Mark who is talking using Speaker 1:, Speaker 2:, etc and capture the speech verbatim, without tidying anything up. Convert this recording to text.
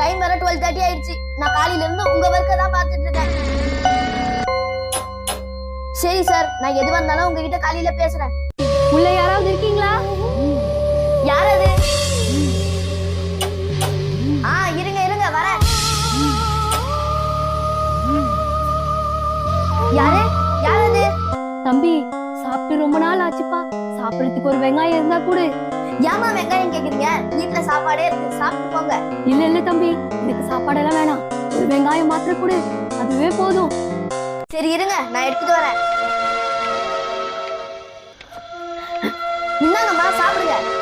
Speaker 1: Time வர twelve thirty ஆயிடுச்சு. நான் காலையில இருந்து உங்க ஒர்க்க தான் பாத்துட்டு இருக்கேன். சரி சார், நான் எது வந்தாலும் உங்ககிட்ட காலையில பேசுறேன்.
Speaker 2: உள்ள யாராவது இருக்கீங்களா?
Speaker 1: யார் அது? ஆ இருங்க இருங்க வரேன். யாரு யார் அது?
Speaker 2: தம்பி, சாப்பிட்டு ரொம்ப நாள் ஆச்சுப்பா. சாப்பிடறதுக்கு ஒரு வெங்காயம் இருந்தா கூட.
Speaker 1: ஏமா வெங்காயம் கேக்குறீங்க? வீட்டுல சாப்பாடே இருக்கு, சாப்பிட்டு போங்க.
Speaker 2: இல்ல இல்ல தம்பி, எனக்கு சாப்பாடெல்லாம் வேணாம். ஒரு வெங்காயம் மாத்திரம் கூட, அதுவே போதும்.
Speaker 1: சரி இருங்க, நான் எடுத்துட்டு வரேன். இந்தாங்கம்மா சாப்பிடுங்க.